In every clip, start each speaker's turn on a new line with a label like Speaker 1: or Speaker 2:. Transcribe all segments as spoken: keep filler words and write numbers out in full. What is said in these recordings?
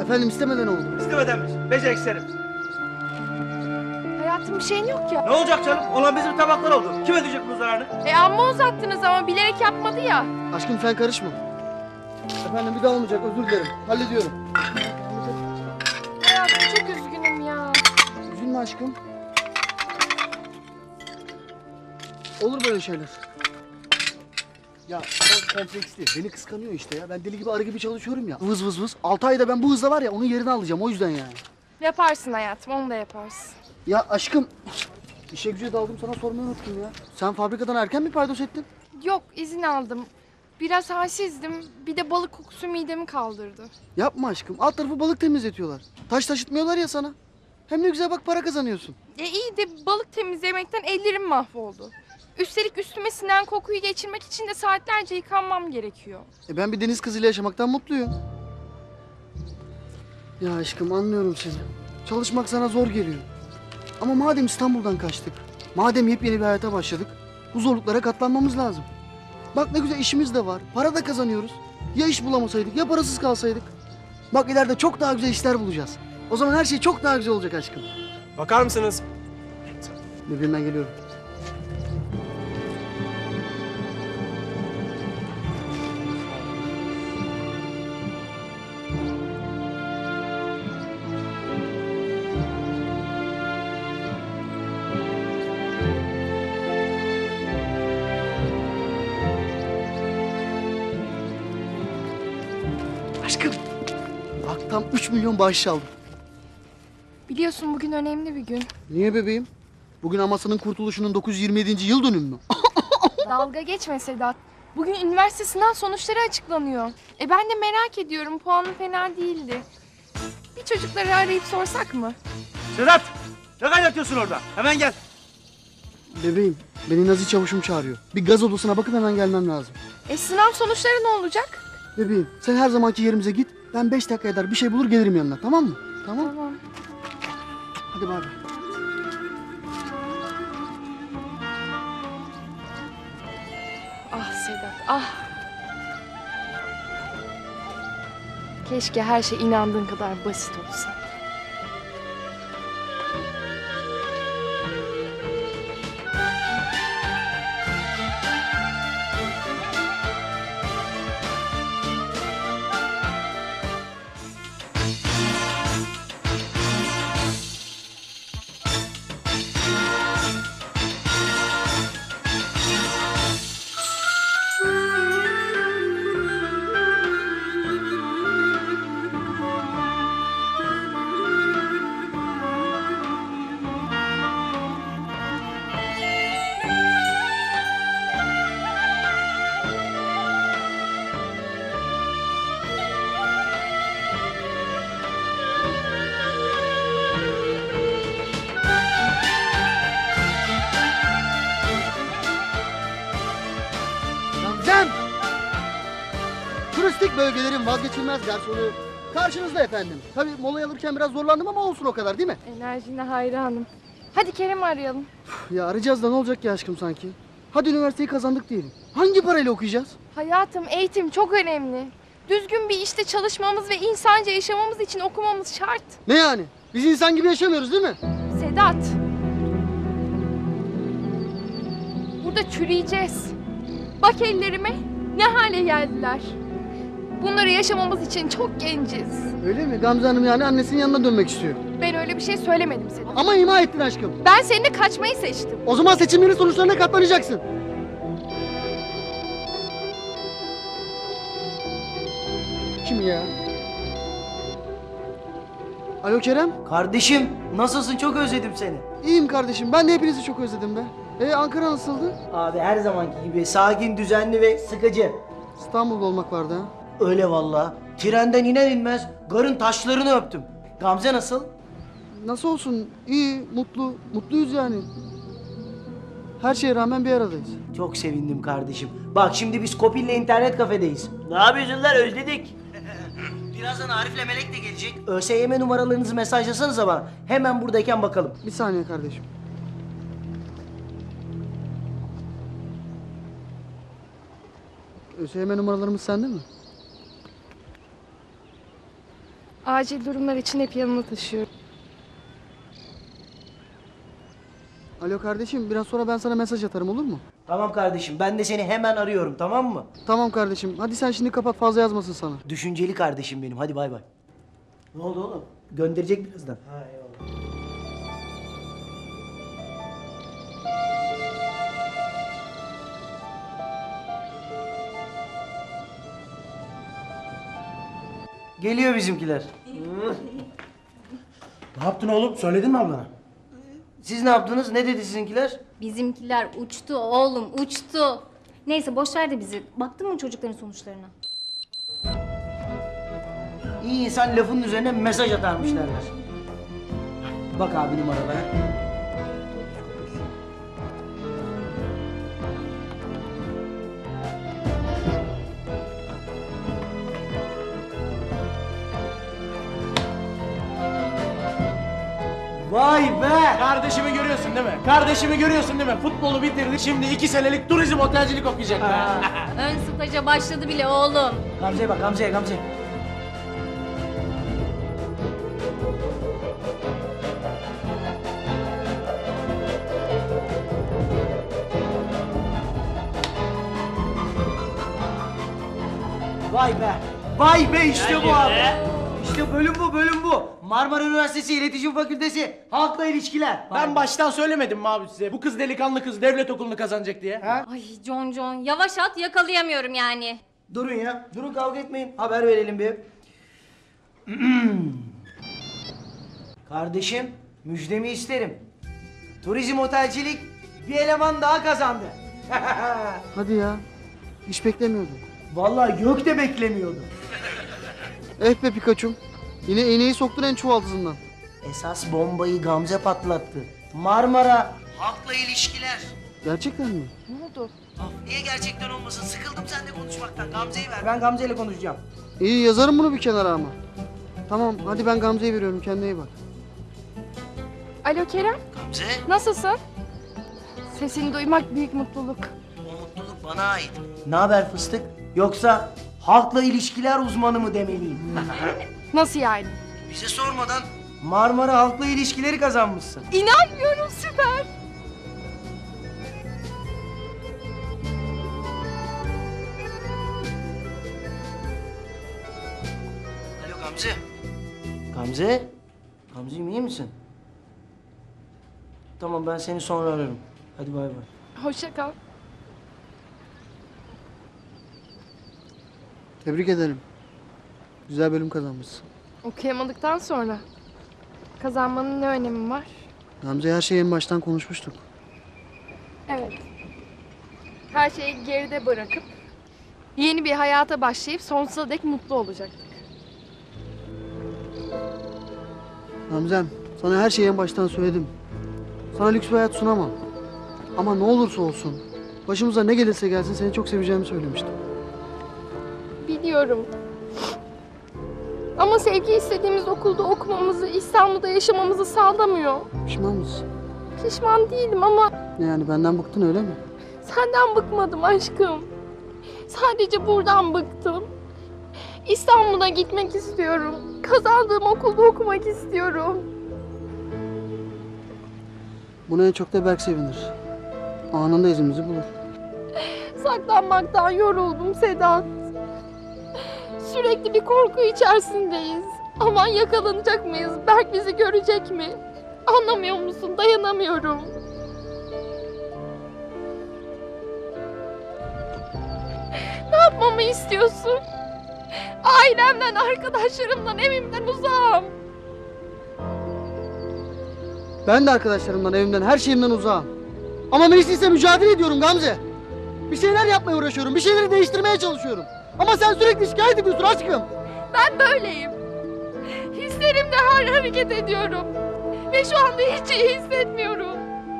Speaker 1: Efendim istemeden oldu.
Speaker 2: İstemedenmiş. Beceriksiz herif.
Speaker 3: Hayatım bir şeyin yok ya.
Speaker 2: Ne olacak canım? Olan bizim tabaklar oldu. Kim ödeyecek bu zararını?
Speaker 3: E amma uzattınız ama bilerek yapmadı ya.
Speaker 1: Aşkım sen karışma. Efendim bir daha olmayacak, özür dilerim. Hallediyorum.
Speaker 3: Hayatım çok üzgünüm ya.
Speaker 1: Üzülme aşkım. Olur böyle şeyler. Ya o kompleksli. Beni kıskanıyor işte ya. Ben deli gibi arı gibi çalışıyorum ya. Vız vız vız. Altı ayda ben bu hızla var ya onun yerini alacağım. O yüzden yani.
Speaker 3: Yaparsın hayatım, onu da yaparsın.
Speaker 1: Ya aşkım. İşe güce daldım sana sormayı unuttum ya. Sen fabrikadan erken mi paydos ettin?
Speaker 3: Yok, izin aldım. Biraz halsizdim. Bir de balık kokusu midemi kaldırdı.
Speaker 1: Yapma aşkım. Alt tarafı balık temizletiyorlar. Taş taşıtmıyorlar ya sana. Hem ne güzel bak para kazanıyorsun.
Speaker 3: E iyi de balık temizlemekten ellerim mahvoldu. Üstelik üstüme sinen kokuyu geçirmek için de saatlerce yıkanmam gerekiyor.
Speaker 1: E ben bir deniz kızıyla yaşamaktan mutluyum. Ya aşkım anlıyorum seni. Çalışmak sana zor geliyor. Ama madem İstanbul'dan kaçtık, madem yepyeni bir hayata başladık, bu zorluklara katlanmamız lazım. Bak ne güzel işimiz de var, para da kazanıyoruz. Ya iş bulamasaydık, ya parasız kalsaydık. Bak ileride çok daha güzel işler bulacağız. O zaman her şey çok daha güzel olacak aşkım.
Speaker 4: Bakar mısınız?
Speaker 1: Bebeğim ben geliyorum. Aşkım. Bak tam üç milyon bağış aldım.
Speaker 3: Biliyorsun bugün önemli bir gün.
Speaker 1: Niye bebeğim? Bugün Amasya'nın kurtuluşunun dokuz yüz yirmi yedinci yıl dönümü mü?
Speaker 3: Dalga geçme Sedat. Bugün üniversite sınav sonuçları açıklanıyor. E ben de merak ediyorum. Puanım fena değildi. Bir çocukları arayıp sorsak mı?
Speaker 2: Sedat! Ne kaynatıyorsun orada? Hemen gel.
Speaker 1: Bebeğim, beni Nazi çavuşum çağırıyor. Bir gaz odasına bakıp hemen gelmem lazım.
Speaker 3: E sınav sonuçları ne olacak?
Speaker 1: Bebeğim, sen her zamanki yerimize git. Ben beş dakika eder bir şey bulur gelirim yanına, tamam mı? Tamam.
Speaker 3: Tamam.
Speaker 1: Hadi bay bay.
Speaker 3: Ah Sedat, ah. Keşke her şey inandığın kadar basit olsa.
Speaker 1: Gamzem! Turistik bölgelerin vazgeçilmez garsonu. Karşınızda efendim. Tabii molayı alırken biraz zorlandım ama olsun o kadar değil mi?
Speaker 3: Enerjine hayranım. Hadi Kerem'i arayalım.
Speaker 1: Ya arayacağız da ne olacak ki aşkım sanki? Hadi üniversiteyi kazandık diyelim. Hangi parayla okuyacağız?
Speaker 3: Hayatım, eğitim çok önemli. Düzgün bir işte çalışmamız ve insanca yaşamamız için okumamız şart.
Speaker 1: Ne yani? Biz insan gibi yaşamıyoruz değil mi?
Speaker 3: Sedat. Burada çürüyeceğiz. Bak ellerime ne hale geldiler. Bunları yaşamamız için çok genciz.
Speaker 1: Öyle mi? Gamze Hanım yani annesinin yanına dönmek istiyor.
Speaker 3: Ben öyle bir şey söylemedim Sedat.
Speaker 1: Ama ima ettin aşkım.
Speaker 3: Ben seninle kaçmayı seçtim.
Speaker 1: O zaman seçimlerin sonuçlarına katlanacaksın. Kim ya? Alo Kerem.
Speaker 5: Kardeşim nasılsın, çok özledim seni.
Speaker 1: İyiyim kardeşim. Ben de hepinizi çok özledim be. E Ankara nasıldı?
Speaker 5: Abi her zamanki gibi sakin, düzenli ve sıkıcı.
Speaker 1: İstanbul'da olmak vardı ha.
Speaker 5: Öyle vallahi. Trenden iner inmez garın taşlarını öptüm. Gamze nasıl?
Speaker 1: Nasıl olsun? İyi, mutlu. Mutluyuz yani. Her şeye rağmen bir aradayız.
Speaker 5: Çok sevindim kardeşim. Bak şimdi biz Kopil'le internet kafedeyiz. Ne yapıyorsun lan, özledik. Birazdan Arif'le Melek de gelecek. ÖSYM numaralarınızı mesajlasanıza bana. Hemen buradayken bakalım.
Speaker 1: Bir saniye kardeşim. ÖSYM numaralarımız sende mi?
Speaker 3: Acil durumlar için hep yanına taşıyorum.
Speaker 1: Alo kardeşim, biraz sonra ben sana mesaj atarım, olur mu?
Speaker 5: Tamam kardeşim, ben de seni hemen arıyorum, tamam mı?
Speaker 1: Tamam kardeşim. Hadi sen şimdi kapat, fazla yazmasın sana.
Speaker 5: Düşünceli kardeşim benim, hadi bay bay. Ne oldu oğlum? Gönderecek birazdan. Ha eyvallah. Geliyor bizimkiler.
Speaker 2: Ne yaptın oğlum? Söyledin mi ablana?
Speaker 5: Siz ne yaptınız? Ne dedi sizinkiler?
Speaker 4: Bizimkiler uçtu oğlum, uçtu. Neyse boş ver de bizi. Baktın mı çocukların sonuçlarına?
Speaker 5: İyi insan lafının üzerine mesaj atarmış derler. Bak abi numaralara. Vay be!
Speaker 6: Kardeşimi görüyorsun değil mi? Kardeşimi görüyorsun değil mi? Futbolu bitirdi. Şimdi iki senelik turizm otelcilik okuyacak be.
Speaker 4: Ön staja başladı bile oğlum.
Speaker 5: Gamze'ye bak Gamze'ye Gamze. Vay be! Vay be işte bu abi! İşte bölüm bu, bölüm bu. Marmara Üniversitesi İletişim Fakültesi, halkla ilişkiler.
Speaker 6: Ben baştan söylemedim mi abi size? Bu kız delikanlı kız devlet okulunu kazanacak diye. Ha?
Speaker 4: Ay John John, yavaş at yakalayamıyorum yani.
Speaker 5: Durun ya, durun kavga etmeyin. Haber verelim bir. Kardeşim, müjdemi isterim. Turizm otelcilik bir eleman daha kazandı.
Speaker 1: Hadi ya. Hiç beklemiyordum.
Speaker 5: Vallahi gök de beklemiyordu.
Speaker 1: Eh be Pikachu'm. Yine iğneyi soktun en çuvaldızından.
Speaker 5: Esas bombayı Gamze patlattı. Marmara, halkla ilişkiler.
Speaker 1: Gerçekten mi?
Speaker 3: Ne oldu?
Speaker 5: Ah, niye gerçekten olmasın? Sıkıldım seninle konuşmaktan. Gamze'yi ver. Ben Gamze ile konuşacağım.
Speaker 1: İyi, yazarım bunu bir kenara ama. Tamam, hadi ben Gamze'ye veriyorum. Kendine iyi bak.
Speaker 3: Alo Kerem,
Speaker 5: Gamze,
Speaker 3: nasılsın? Sesini duymak büyük mutluluk.
Speaker 5: o mutluluk bana ait. Ne haber fıstık? Yoksa halkla ilişkiler uzmanı mı demeliyim?
Speaker 3: Nasıl yani?
Speaker 5: Bize sormadan Marmara halkla ilişkileri kazanmışsın.
Speaker 3: İnanmıyorum, süper.
Speaker 5: Alo Gamze. Gamze? Gamze'cim iyi misin? Tamam ben seni sonra ararım. Hadi bay bay.
Speaker 3: Hoşça kal.
Speaker 1: Tebrik ederim. Güzel bölüm kazanmışsın.
Speaker 3: Okuyamadıktan sonra kazanmanın ne önemi var?
Speaker 1: Gamze, her şeyi en baştan konuşmuştuk.
Speaker 3: Evet. Her şeyi geride bırakıp yeni bir hayata başlayıp sonsuza dek mutlu olacaktık.
Speaker 1: Gamzem, sana her şeyi en baştan söyledim. Sana lüks bir hayat sunamam. Ama ne olursa olsun, başımıza ne gelirse gelsin seni çok seveceğimi söylemiştim.
Speaker 3: Biliyorum. Ama sevgi istediğimiz okulda okumamızı, İstanbul'da yaşamamızı sağlamıyor.
Speaker 1: Pişman mısın?
Speaker 3: Pişman değilim ama
Speaker 1: Ne yani, benden bıktın öyle mi?
Speaker 3: senden bıkmadım aşkım. Sadece buradan bıktım. İstanbul'a gitmek istiyorum. Kazandığım okulda okumak istiyorum.
Speaker 1: Buna en çok da Berk sevinir. Anında izimizi bulur.
Speaker 3: Saklanmaktan yoruldum Sedat. Sürekli bir korku içerisindeyiz. Aman yakalanacak mıyız? Berk bizi görecek mi? Anlamıyor musun? Dayanamıyorum. Ne yapmamı istiyorsun? Ailemden, arkadaşlarımdan, evimden uzağım.
Speaker 1: Ben de arkadaşlarımdan, evimden, her şeyimden uzağım. Ama mecliste mücadele ediyorum Gamze. Bir şeyler yapmaya uğraşıyorum, bir şeyleri değiştirmeye çalışıyorum. Ama sen sürekli şikayet ediyorsun aşkım.
Speaker 3: Ben böyleyim. Hislerimle har hareket ediyorum. Ve şu anda hiç iyi hissetmiyorum.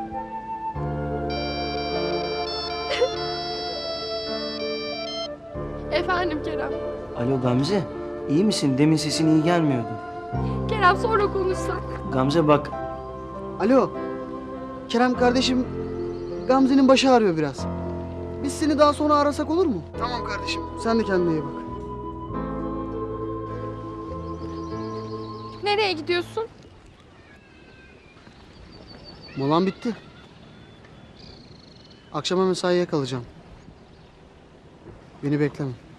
Speaker 3: Efendim Kerem.
Speaker 5: Alo Gamze, iyi misin? Demin sesin iyi gelmiyordu.
Speaker 3: Kerem sonra konuşsak.
Speaker 5: Gamze bak,
Speaker 1: Alo. Kerem kardeşim, Gamze'nin başı ağrıyor biraz. Biz seni daha sonra arasak olur mu? Tamam kardeşim. Sen de kendine iyi bak.
Speaker 3: Nereye gidiyorsun?
Speaker 1: Molam bitti. Akşama mesaiye kalacağım. Beni bekleme.